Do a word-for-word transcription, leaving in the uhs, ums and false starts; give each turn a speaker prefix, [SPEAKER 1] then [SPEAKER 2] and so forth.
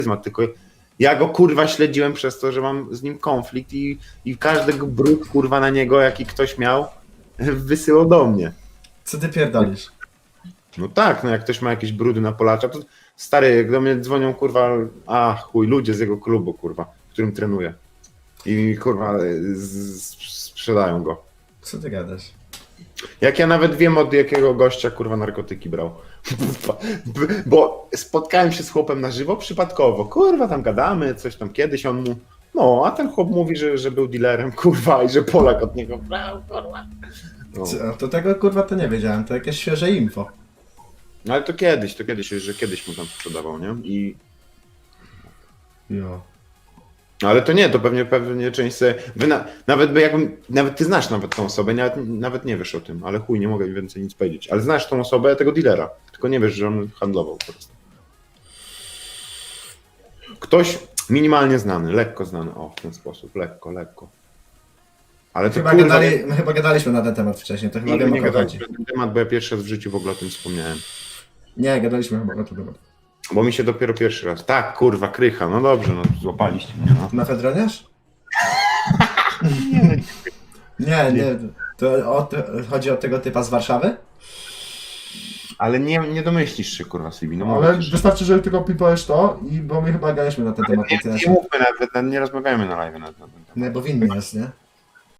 [SPEAKER 1] charyzmat, tylko ja go kurwa śledziłem przez to, że mam z nim konflikt i, i każdego brud kurwa na niego, jaki ktoś miał, wysyłał do mnie.
[SPEAKER 2] Co ty pierdolisz?
[SPEAKER 1] No tak, no jak ktoś ma jakieś brudy na Polacza, to stary, jak do mnie dzwonią kurwa, a chuj, ludzie z jego klubu kurwa, w którym trenuję. I kurwa z, z, sprzedają go.
[SPEAKER 2] Co ty gadasz?
[SPEAKER 1] Jak ja nawet wiem, od jakiego gościa kurwa narkotyki brał. Bo spotkałem się z chłopem na żywo przypadkowo. Kurwa, tam gadamy, coś tam kiedyś on mu. No, a ten chłop mówi, że, że był dealerem, kurwa, i że Polak od niego brał, kurwa. No.
[SPEAKER 2] Co, to tego kurwa to nie wiedziałem, to jakieś świeże info.
[SPEAKER 1] No ale to kiedyś, to kiedyś, że kiedyś mu tam sprzedawał, nie? I.
[SPEAKER 2] Jo.
[SPEAKER 1] No ale to nie, to pewnie pewnie część se, wy na, nawet by jakbym, nawet ty znasz nawet tą osobę, nawet, nawet nie wiesz o tym, ale chuj, nie mogę więcej nic powiedzieć, ale znasz tą osobę, tego dealera, tylko nie wiesz, że on handlował po prostu. Ktoś minimalnie znany, lekko znany, o w ten sposób, lekko, lekko. Ale to
[SPEAKER 2] Chyba,
[SPEAKER 1] kurwa,
[SPEAKER 2] gadali, my chyba gadaliśmy na ten temat wcześniej, to chyba
[SPEAKER 1] nigdy
[SPEAKER 2] wiem
[SPEAKER 1] nie
[SPEAKER 2] o co
[SPEAKER 1] gadałem
[SPEAKER 2] chodzi.
[SPEAKER 1] na ten temat, bo ja pierwszy raz w życiu w ogóle o tym wspomniałem.
[SPEAKER 2] Nie, gadaliśmy chyba na ten temat.
[SPEAKER 1] Bo mi się dopiero pierwszy raz, tak kurwa, krycha, no dobrze, no złapaliście mnie, no.
[SPEAKER 2] Na Fedroniarz? Nie, nie. To o, to chodzi o tego typa z Warszawy?
[SPEAKER 1] Ale nie, nie domyślisz się kurwa Sibi, no
[SPEAKER 3] Ale
[SPEAKER 1] mówię ci, że-
[SPEAKER 3] wystarczy, że tylko pipujesz to i bo my chyba gadaliśmy na ten temat.
[SPEAKER 1] nie, nie mówmy nawet, nie rozmawiajmy na live na ten temat.
[SPEAKER 2] Nie, bo winny jest, nie?